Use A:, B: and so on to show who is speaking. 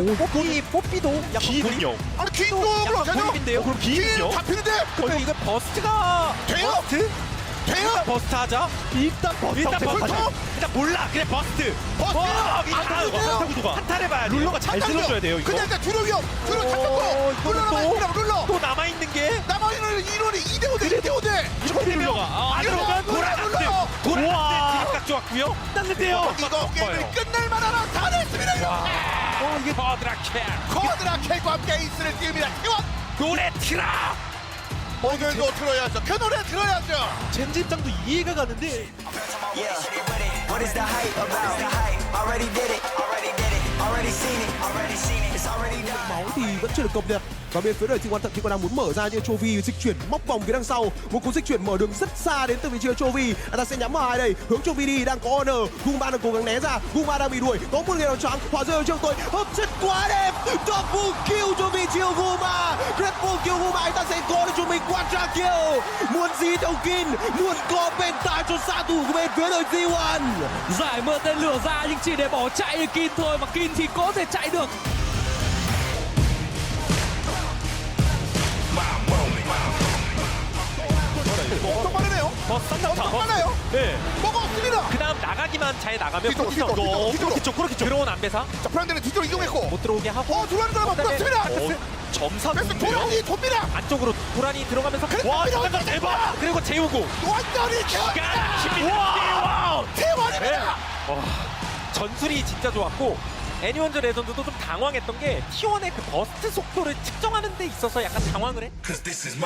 A: 뽀삐도 약간
B: 기는요.
C: 아니 퀸도
A: 약간
C: 되죠?
A: 고립인데요.
B: 그럼 기는요?
C: 잡히는데
A: 그러니까 이거 버스트가
C: 돼요?
A: 버스트?
C: 돼요?
A: 버스트 하자.
B: 일단 버스
A: 일단 버스트.
C: 버스트.
A: 일단 몰라. 그냥 버스트.
C: 버스트.
A: 한타 구도가. 한타를 봐야 돼.
B: 룰러가 잘 쓸어줘야 돼요 이거.
C: 그냥 주력이요. 주력 잡혔고 눌러.
A: 또 남아 있는 게
C: 남아있는 1원이 2대5대 2대5대.
B: 초비 룰러가
A: 안
C: 이거
A: 들어간
C: 눌러.
A: 돌아갔는데 드립각 좋았고요. 났는데요.
C: 이거 게임을 끝낼 만하나 다 됐습니다. 이거.
A: 이게 버드라켈.
C: 코드라켈과 함께 에이스를 띄웁니다. T1
A: 노래 틀어.
C: 오늘도 들어야죠. 그 노래 들어야죠.
B: 젠지 입장도 이해가 가는데
D: Yeah. What is the hype about? The hype. Already did it. Already did it. Already seen it. Already seen it. It's already done.
E: Máu thì vẫn chưa được cập nhật và bên phía đội T1 thậm chí còn đang muốn mở ra nhưng Chovy dịch chuyển móc vòng phía đằng sau, một cú dịch chuyển mở đường rất xa đến từ vị trí của Chovy. Anh ta sẽ nhắm vào ai đây, hướng Chovy đi, đang có Honor, Guma đang cố gắng né ra, Guma đang bị đuổi, có một người nào choáng, hỏa rơi ở trước tôi, hấp chất quá đẹp, double kill cho vị trí của Guma, triple kill Guma, anh ta sẽ có được cho mình quadra kill, muốn gì theo Kin, muốn có bên tai cho xạ thủ của bên phía đội T1.
F: Giải mưa tên lửa ra nhưng chỉ để bỏ chạy được Kin thôi, mà Kin thì có thể chạy được.
C: 엄청 빠르네요.
A: 버스
C: 엄청
A: 싼다.
C: 빨라요.
B: 네.
C: 먹었습니다.
A: 그다음 나가기만 잘 나가면
C: 뒤쪽,
A: 거기서
C: 뒤쪽.
A: 그렇게 그렇게 들어온 안배사
C: 자, 프랑드는 뒤쪽으로 이동했고.
A: 못 들어오게 하고
C: 들어가는 사람 없습니다.
A: 점사
C: 그래서
A: 좋은데요?
C: 도란이 돕니다.
A: 안쪽으로 도란이 들어가면서
C: 와,
A: 잠깐 대박. 그리고 재우고
C: 완전히
A: 와
C: T1입니다.
A: 전술이 진짜 좋았고 애니원즈 레전드도 좀 당황했던 게 T1의 그 버스트 속도를 측정하는 데 있어서 약간 당황을 해.